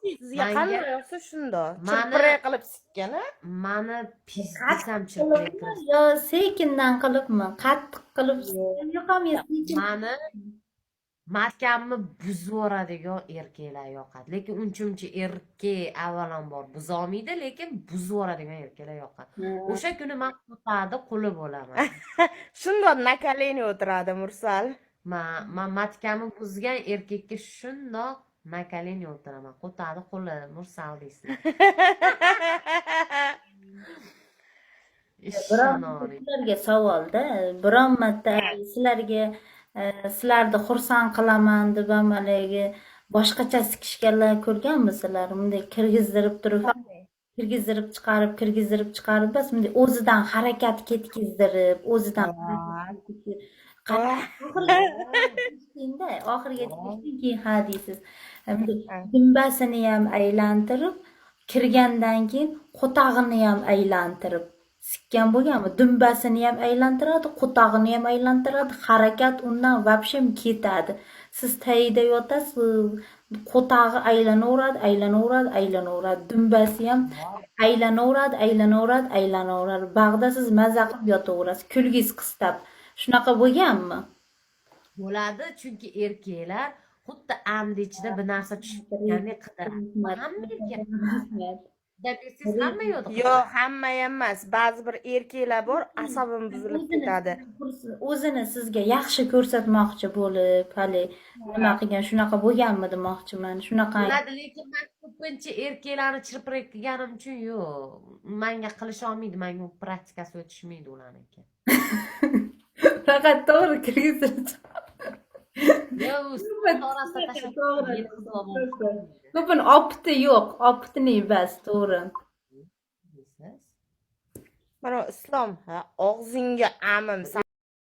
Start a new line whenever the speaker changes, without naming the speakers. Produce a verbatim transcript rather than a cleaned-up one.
Sizga
Manga-
qanday yoqsa shundoq.
Mani-
Chirpiray qilib sikkan, a?
Mani pizdisam chirpiray qilib.
yo sekindan qilibmi? Qattiq qilib yoqam sekin.
Mani matkamni buzib yuboradigan erkaklar yoqadi. Lekin uncha-muncha erkak avvalambor buzolmaydi, lekin buzib yuboradigan erkaklar yoqadi. O'sha kuni men qo'tadi quli bo'laman.
Shundoq nakaleni o'tiradi Mursal.
Men men matkamni buzgan erkakka shundoq nakaleni o'tiraman. Qo'tadi quli Mursal deysizlar. Ishonori.
Sizlarga savolda, biron marta sizlarga sizlarni xursand qilaman deb haligi boshqacha sikishganlar ko'rganmisizlar? Bunday kirgizdirib turib, kirgizdirib chiqarib, kirgizdirib chiqarib, bas bunday o'zidan harakat ketkizdirib, o'zidan oxiriga yetishdan keyin ha deysiz. Dumbasini ham aylantirib, kirgandan keyin qo'tag'ini ham aylantirib sikkan bo'lganmi? Dumbasini ham aylantiradi, qo'tag'ini ham aylantiradi. Harakat undan vobshem ketadi. Siz tayida yotasiz, qo'tag'i aylanaveradi, aylanaveradi, aylanaveradi. Dumbasi ham aylanaveradi, aylanaveradi, aylanaveradi. Bag'da siz maza qilib yotaverasiz, kulgingiz qistab. Shunaqa bo'lganmi?
Bo'ladi, chunki erkaklar xuddi amdi ichida bir narsa tushib turgandek qidiradi. Hamma erkak Siz hamma yo'q.
Yo'q, hamma emas. Ba'zi bir erkaklar bor, asabim buzilib ketadi.
O'zini sizga yaxshi ko'rsatmoqchi bo'lib, hali nima qilgan, shunaqa bo'lganmi demoqchiman. Shunaqa.
Bo'ladi, lekin men ko'pincha erkaklarni chirpiray qilganim uchun yo'q. Menga qilisha olmaydi, menga u praktikasi o'tishmaydi ularniki.
Faqat to'g'ri kirgizib. Ko'pin opti yo'q, optini bas, to'g'ri.
Mana Islom, ha, og'zingga amim